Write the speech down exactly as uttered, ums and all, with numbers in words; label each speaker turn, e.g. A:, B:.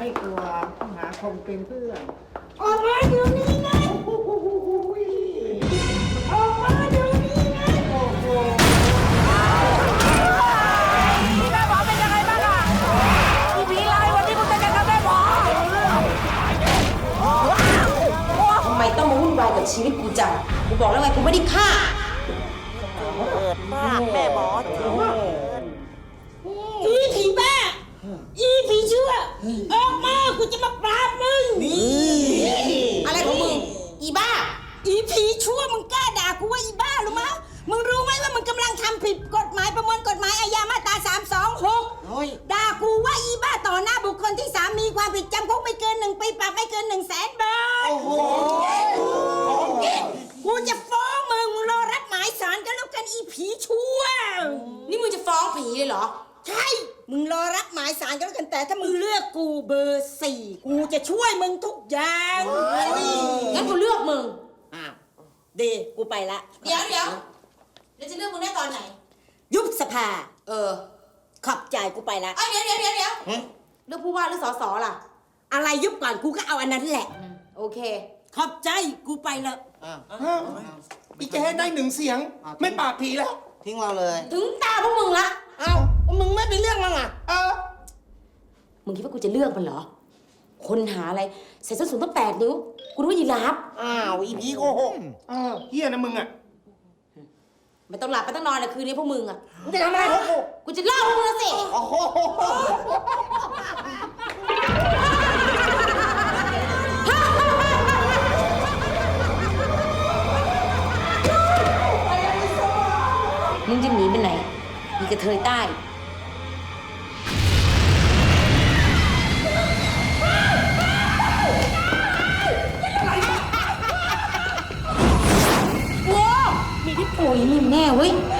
A: ไม่กลัวหาคงเป็นเพื่อน
B: ออกมาเดี๋ยวนี้นะออกมาเดี๋ยวนี้นะโอ้โห
C: แม่หมอเป็นยังไงบ้างอะอีผีลายวันนี้มึงจะยังกับแม่หมอ
D: ทำไมต้องมาวุ่นวายกับชีวิตกูจังกูบอกแล้วไงกูไม่ได้ฆ่า
C: เปิดมากแม่หมอจริง
B: อีผีบ้าอีผีชั่วออกมากูจะมาปราบมึงนี่
D: อะไรของมึงอีบ้า
B: อีผีชั่วมึงกล้าด่ากูว่าอีบ้าหรือมั้งมึงรู้ไหมว่ามึงกำลังทำผิดกฎหมายประมวลกฎหมายอาญามาตราสามสองหกด่ากูว่าอีบ้าต่อหน้าบุคคลที่สามมีความผิดจำคุกไม่เกินหนึ่งปีปรับไม่เกินหนึ่งแสนบาทโอ้โหกูจะฟ้องมึงมึงรอรับหมายศาลกันแล้วกันอีผีชั่ว
D: นี่มึงจะฟ้องผีเลยเหรอ
B: ใช่มึงรอรับหมายศาลกันแล้วกันแต่ถ้ามึงเลือกกูเบอร์สี่กูจะช่วยมึงทุกอย่าง
D: งั้นกูเลือกมึง
B: อ้าวดีกูไปละ
D: เดี๋ยวเดี๋ยวแล้วจะเลือกมึงได้ตอนไหน
B: ยุบสภา
D: เออ
B: ขอบใจกูไปละ
D: เอ้ยเดี๋ยวเดี๋ยวเดี๋ยวเดี๋ยวเลือกผู้ว่าหรือสสล่ะ
B: อะไรยุบก่อนกูก็เอาอันนั้นแหละ
D: โอเค
B: ขอบใจกูไปละ
A: อีแกได้หนึ่งเสียงไม่ปราบผีแล้ว
E: ทิ้งเราเลย
D: ถึงตาพวกมึงละ
E: เอ้ามึงไม่ไปเรื่องมั้งอ่ะ
A: เออ
D: มึงคิดว่ากูจะเลือกมันเหรอคนหาอะไรใส่ส้นสูงตั้งแปดนิ้วกูรู้ว่ายีราฟ
E: อ้าวอีพีโกหก
A: เออเฮียนะมึงอ่ะ
D: ไม่ต้องหลับไม่ต้องนอนเลยคืนนี้พวกมึงอ่ะ
E: มึงจะทำอะไรพวกกู
D: กูจะเล่าพวกมึงสิ
E: โอ้โห
D: มึงจะหนีไปไหนมีกระเทยใต้ว้าวมีพี่ปุ๋ยนี่แน่เว้ย